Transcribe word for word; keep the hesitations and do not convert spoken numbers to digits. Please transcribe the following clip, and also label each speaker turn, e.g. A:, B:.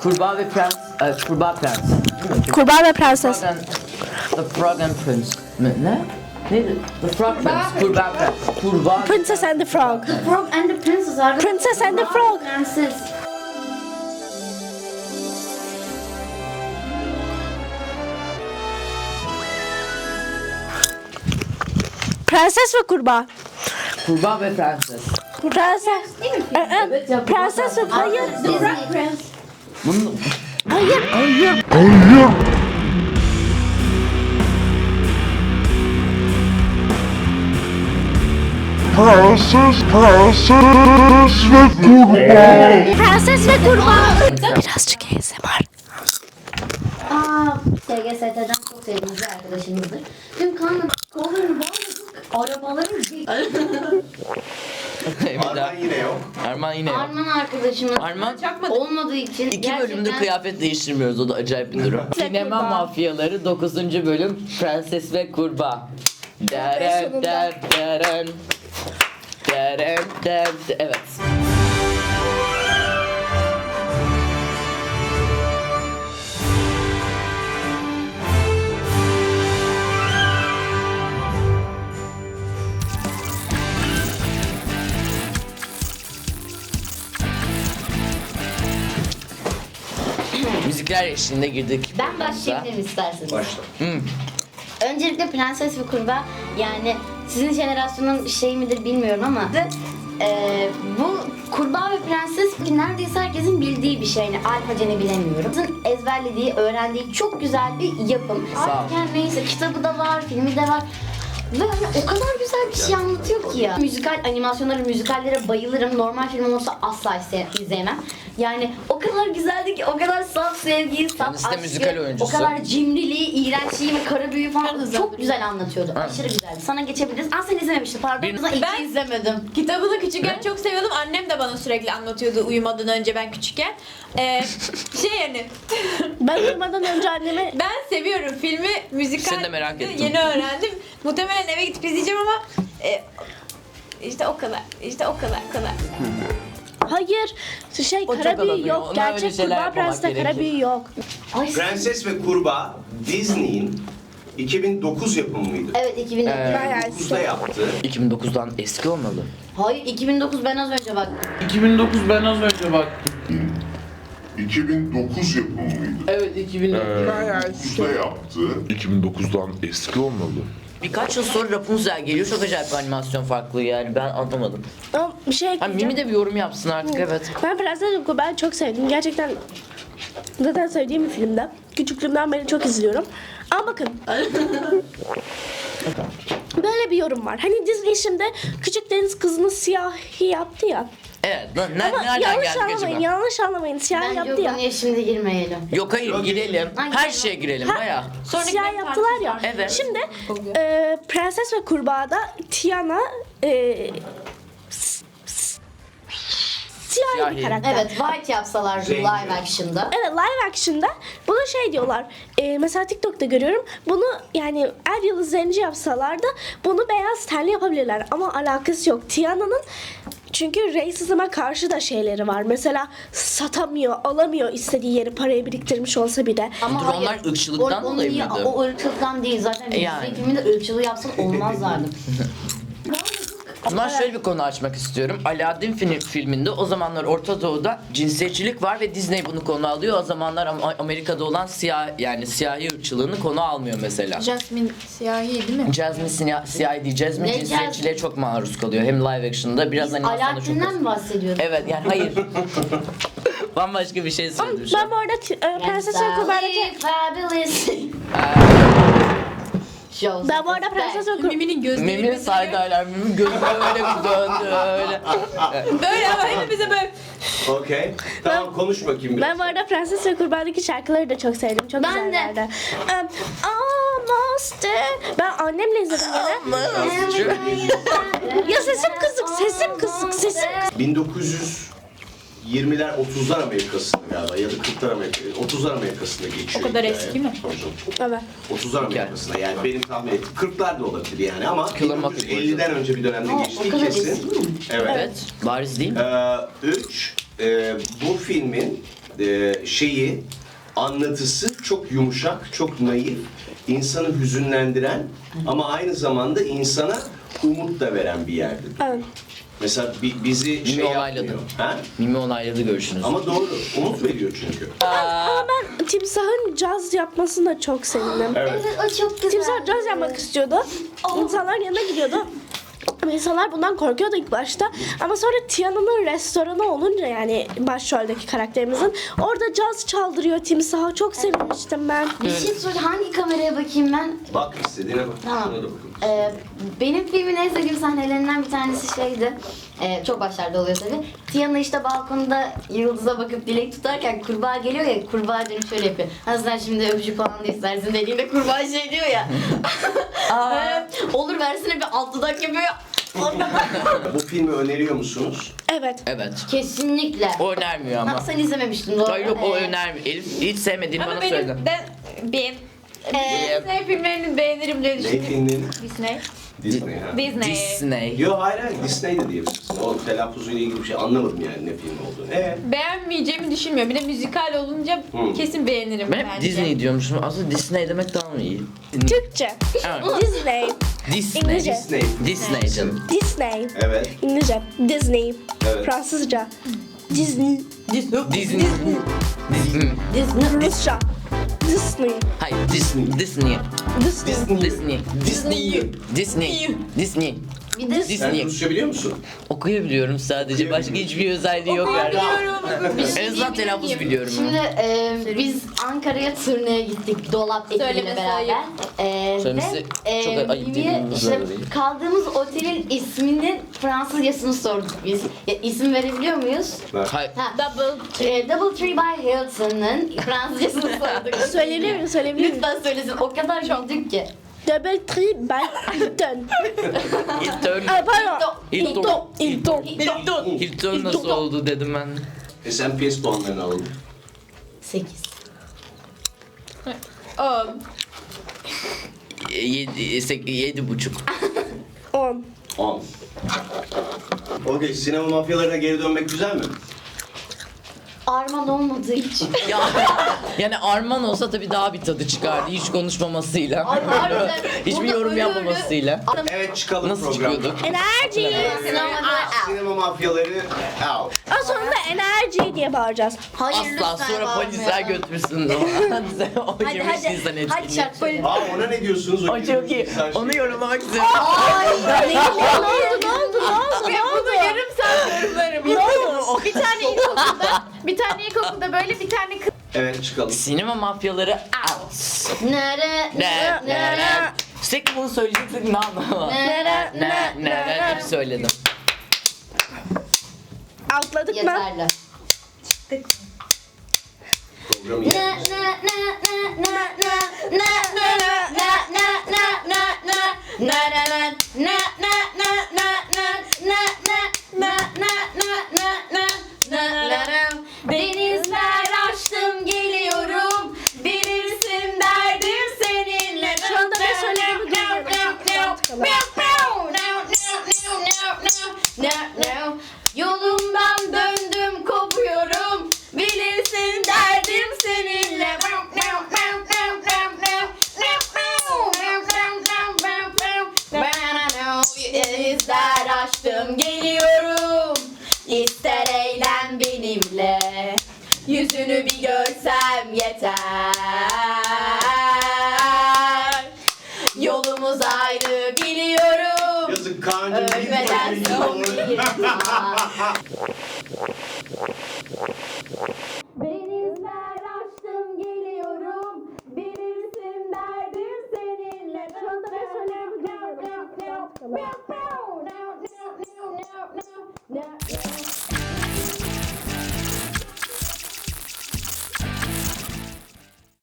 A: Kurbağa ve Prens, e, Kurbağa Prens.
B: Kurbağa ve Prenses.
A: Frog and, the Frog and Prince. Ne? Ne? Neydi? The Frog Prince. Kurbağa Prens. Kurbağa.
B: Princess and the Frog.
C: Frog and the Princess arkadaşlar.
B: Princess and the Frog.
C: Prenses.
B: Prenses ve kurbağa.
A: Kurbağa ve Prenses.
B: Prenses. Ee, e,
A: Evet ya,
B: Prenses ve hayır.
C: Disney Prince.
A: Bunun...
B: Hayır. Hayır.
D: Prenses, prenses ve kurbağa.
B: Prenses ve kurbağa. Birazcık A S M R.
C: Aa, S G S T'den çok sevdiğimiz bir arkadaşımızdır. Tüm kanlı kollarını bağladık. Arabaların
E: Arman yine yok.
A: Arman yine yok.
C: Arman arkadaşımız
A: Arman
C: olmadığı için
A: İki
C: gerçekten...
A: bölümdür kıyafet değiştirmiyoruz, o da acayip bir durum. Sinema Mafyaları dokuzuncu bölüm Prenses ve Kurbağa. Deren der deren. Deren der. Evet. Müzikler eşliğinde girdik.
C: Ben başlayabilirim isterseniz.
E: Başla.
C: Öncelikle Prenses ve Kurbağa, yani sizin jenerasyonun şey midir bilmiyorum ama e, bu Kurbağa ve Prenses neredeyse herkesin bildiği bir şey. Yani alfacını bilemiyorum. Sizin ezberlediği, öğrendiği çok güzel bir yapım.
A: Sağ ol.
C: Artık yani neyse, kitabı da var, filmi de var. Ve hani o kadar güzel bir şey anlatıyor ki ya. Müzikal animasyonları, müzikallere bayılırım. Normal film olsa asla ise- izleyemem. Yani o kadar güzeldi ki, o kadar saf sevgiyi, saf
A: Kendisi de
C: aşkı,
A: müzikal oyuncusu.
C: o kadar cimriliği, iğrençliği ve kara büyüyü falan çok güzel anlatıyordu. Aşırı güzeldi. Sana geçebiliriz. Aa, sen izlememiştin, pardon.
A: Bir-
C: Ben
F: Ben-
C: izlemedim.
F: Kitabını küçükken çok seviyordum. Annem de bana sürekli anlatıyordu uyumadan önce ben küçükken. Ee, şey yani
B: Ben uyumadan önce anneme
F: ben seviyorum filmi, müzikal.
A: Seni de merak ettim.
F: Yeni öğrendim. Muhtemelen eve gidip izleyeceğim ama e, işte o kadar. İşte o kadar kadar.
B: hayır şey
A: O çok
B: kara büyü
A: alabiliyor.
B: yok.
A: Ona öyle
B: Gerçek
A: şeyler
B: kurbağa
A: yapmamak
B: prenseste kara
A: gerekir.
B: büyü yok.
C: Ay,
E: Prenses ve Kurbağa Disney'in iki bin dokuz yapımı mıydı?
C: evet iki bin dokuz.
A: Ee,
E: iki bin dokuzda yaptı.
A: iki bin dokuzdan eski olmalı.
C: Hayır, iki bin dokuz, ben az önce baktım.
A: iki bin dokuz ben az önce baktım.
D: iki bin dokuz yapımı mıydı?
A: Evet iki bin dokuz.
D: dokuzda yaptı. iki bin dokuzdan eski olmalı.
A: Birkaç yıl sonra Rapunzel geliyor. Çok acayip bir animasyon farklı yani, ben anlamadım.
B: Ama bir şey
A: Ha,
B: ekleyeceğim.
A: Mimi de bir yorum yapsın artık, evet.
B: Ben Prenses ve Kurbağa'yı çok sevdim. Gerçekten zaten sevdiğim bir filmde. Küçüklüğümden beri çok izliyorum. Ama bakın. Böyle bir yorum var. Hani Disney şimdi Küçük Deniz Kızı'nı siyahi yaptı ya.
A: Evet, lan ne,
B: Ama
A: nereden
B: yanlış
A: geldik
B: anlamayın,
A: acaba?
B: yanlış anlamayın. Siyahi
C: Bence o
B: yaptı ya.
C: konuya şimdi girmeyelim.
A: Yok hayır,
E: Yok,
A: girelim.
C: Ay,
A: Her
C: girelim.
A: şeye girelim
B: Ha,
A: baya.
F: Sonraki
B: siyah
F: bir
B: yaptılar ya.
F: tartışma.
A: Evet.
B: Şimdi
F: Oluyor.
B: e, Prenses ve Kurbağa'da Tiana e, s- s- siyahi
A: Siyahi.
B: bir karakter.
C: Evet, White yapsalar
E: Rengi.
C: live action'da.
B: Evet, live action'da bunu şey diyorlar. E, mesela TikTok'ta görüyorum. Bunu yani Er Yıldız Zenci yapsalar da bunu beyaz tenli yapabilirler. Ama alakası yok. Tiana'nın çünkü racism'a karşı da şeyleri var. Mesela satamıyor, alamıyor istediği yeri, parayı biriktirmiş olsa bile.
C: Ama
A: Dur, onlar ırkçılıktan
C: o,
A: dolayı
C: niye-
A: mıydı?
C: O ırkçılıktan değil zaten.
A: E,
C: Yani.
A: yani.
C: Filminde ırkçılığı yapsın olmazlardı.
A: O zaman şöyle bir konu açmak istiyorum. Aladdin film, filminde o zamanlar Orta Doğu'da cinsiyetçilik var ve Disney bunu konu alıyor. O zamanlar Am- Amerika'da olan siyah, yani siyahi ırkçılığını konu almıyor mesela.
F: Jasmine siyahi değil mi?
A: Jasmine siya- siyahi değil. Jasmine
C: Ne
A: cinsiyetçiliğe
C: Jasmine?
A: çok maruz kalıyor. Hem live action'da biraz animasyonda çok.
C: Alaaddin'den mi bahsediyorsun?
A: Evet yani hayır. Bambaşka bir şey söyledim şu
B: Ben
A: an.
B: bu arada t- e, Prenses ve Kurbağa'daki
C: Fabulous. Shows.
B: ben bu arada Prenses ve Kurbağa'daki
F: Mimi'nin gözleri
A: Mim'in
F: bize
A: saydaylar, Mim'in gözü öyle bir döndü öyle.
F: böyle ama hepimize böyle
E: Okey. Tamam, konuş bakayım biraz.
B: Ben bu arada Prenses ve Kurbağa'daki şarkıları da çok sevdim. Çok
C: Ben de.
B: güzellerdi. Um, Almost there. Ben annemle izledim gene. Ya sesim kısık, sesim kısık, sesim kısık.
E: bin dokuz yüz yirmiler otuzlar Amerika'sında galiba ya da kırklar Amerika, otuzlar Amerika'sında geçiyor.
F: O kadar
E: hikaye.
F: eski mi?
E: Tabii canım.
B: Evet.
E: otuzlar Amerika'sında yani benim tahmin ettiğim kırklar da olabilir yani ama
A: Killer
E: bin dokuz yüz
A: Mockingbird.
E: elliden önce bir dönemde
C: Aa, o
E: geçtiği
C: kadar
E: kesin.
C: eski mi?
E: Evet.
A: Evet, bariz değil mi?
E: Ee, üç, e, bu filmin e, şeyi, anlatısı çok yumuşak, çok naif, insanı hüzünlendiren ama aynı zamanda insana umut da veren bir yerdi.
B: Evet.
E: Mesela bi- bizi şey
A: olayladı.
E: yapmıyor. Ha?
A: Mimi onayladı görüşünüz.
E: Ama doğru, umut veriyor çünkü.
B: Ama ben Timsah'ın caz yapmasını da çok sevindim.
E: Evet.
C: Evet, o çok güzel.
B: Timsah caz yapmak istiyordu. İnsanlar yanına gidiyordu. Ama insanlar bundan korkuyordu ilk başta. Ama sonra Tiana'nın restoranı olunca, yani başroldeki karakterimizin, orada caz çaldırıyor Timsah'a. Çok sevinmiştim ben.
C: Bir şey söyle, hangi kameraya bakayım ben?
E: Bak istediğine bak.
C: Tamam.
E: Şuna da bakın.
C: Ee, benim filmin en sevdiğim sahnelerinden bir tanesi şeydi. Ee, çok başlarda oluyor tabii. Tiana işte balkonda yıldıza bakıp dilek tutarken kurbağa geliyor ya, kurbağa dönüp şöyle yapıyor. Ha sen şimdi öpücük falan da istersin dediğinde kurbağa şey diyor ya. Ee, olur versene, bir alt dudak yapıyor.
E: Bu filmi öneriyor musunuz?
B: Evet.
A: Evet.
C: Kesinlikle.
A: O önermiyor ama.
C: Ha, sen izlememiştin doğru.
A: Hayır yok, o
C: Ee,
A: önermiyor. Elif hiç sevmediğini
F: Ama
A: bana
F: benim
A: söyledi.
F: de ben
C: Ee,
F: Disney filmlerini beğenirim diye
E: Ne
F: düşünüyorum.
E: filmini?
F: Disney.
E: Disney ha.
F: Disney.
A: Disney.
E: Yo hayır hayır Disney de diyebilirsin. O telaffuzuyla ilgili bir şey anlamadım yani ne film olduğunu. Ee?
F: Beğenmeyeceğimi düşünmüyorum. Bir de müzikal olunca
E: Hmm.
F: kesin beğenirim
A: Ben hep
F: bence.
A: Disney diyormuşum. Aslında Disney demek daha mı iyi?
B: Türkçe.
A: Evet.
B: Disney.
A: Disney.
B: İngilizce.
E: Disney.
A: Disney canım.
B: Disney.
E: Evet.
B: İngilizce. Disney.
E: Evet.
B: Fransızca. Disney.
A: Disney. Disney.
C: Disney.
B: Rusça. Disney.
A: Hayır, Disney. Disney.
B: Disney.
A: Disney. Disney. Disney. Disney.
C: Bir de
E: Sen
A: Disney.
E: Rusça biliyor musun?
A: Okuyabiliyorum sadece. Başka hiçbir özelliği yok yani.
F: Okuyabiliyorum.
A: En azından telaffuz biliyorum.
C: Şimdi e, biz Ankara'ya turneye gittik Dolap ekibiyle
F: Söylemesi
C: beraber.
F: ayıp.
C: E,
A: Söylemesi
C: ve,
A: çok ayıp
C: Mimi'ye
A: dediğimiz
C: işte
A: üzere değil.
C: kaldığımız otelin isminin Fransızcasını sorduk biz. Ya, isim verebiliyor muyuz?
A: Hayır.
C: Ha,
F: Double.
C: e, Double Tree by Hilton'ın Fransızcasını sorduk.
B: Söyleyebilir miyim? Söyleyebilir miyim?
C: Lütfen söylesin. O kadar güldük ki.
B: Double tree by Hilton.
A: Hilton.
B: Aa, pardon.
A: Hilton.
B: Hilton. Hilton.
A: Hilton nasıl oldu dedim ben.
E: E sen P S puanlarını alalım.
C: sekiz.
F: On.
A: Yedi, sek- yedi buçuk.
B: On.
E: on. Okey, sinema mafyalarına geri dönmek güzel mi?
C: Arman olmadığı için.
A: Ya, yani Arman olsa tabii daha bir tadı çıkardı hiç konuşmamasıyla.
C: Harbiden.
A: Hiçbir
C: Burada
A: yorum
C: öyle
A: yapmamasıyla.
E: Evet çıkalım
A: Nasıl
E: programdan.
A: çıkıyorduk?
B: Enerji.
C: Sinemada
E: Sinema mafyaları out.
B: Ama sonunda enerji diye bağıracağız.
C: Hayır
A: Asla
C: lütfen
A: sonra polisler
C: bağırmayalım.
A: götürsün. O
C: Hadi
A: yirmi
C: hadi.
A: Nisan
C: Hadi
A: etkinliği.
C: şarkı söyle.
E: Aa ona ne diyorsunuz?
A: O çok iyi.
E: Sen
A: Onu
E: şey-
A: yorumlamak istiyorum.
B: Ne oldu? Ne oldu? Ne oldu? Ne oldu?
F: Bunu yarım saat yorumlarım. Bir tane ilkokulda, bir tane ilkokulda böyle bir tane kız
E: Evet çıkalım.
A: Sinema mafyaları out.
C: Nere
A: Ne ne
C: nere
A: ne. Sürekli bunu söyleyecektik ne anlamı?
C: nere
A: Ne ne ne hep söyledim.
B: Atladık mı?
C: Yeterli.
E: Programı
C: Ne
E: iyi.
C: ne ne ne ne ne ne ne ne ne ne ne ne ne ne ne ne ne denizler açtım geliyorum bilirsin derdim seninle.
B: Şu anda ne söylediğimi
C: duyuyorum. Yolumdan döndüm kopuyorum bilirsin derdim seninle. Denizler açtım geliyorum İster eğlen benimle Yüzünü bir görsem yeter Yolumuz ayrı biliyorum
E: Yazık Kaan'cığım.
C: Ölmeden son bir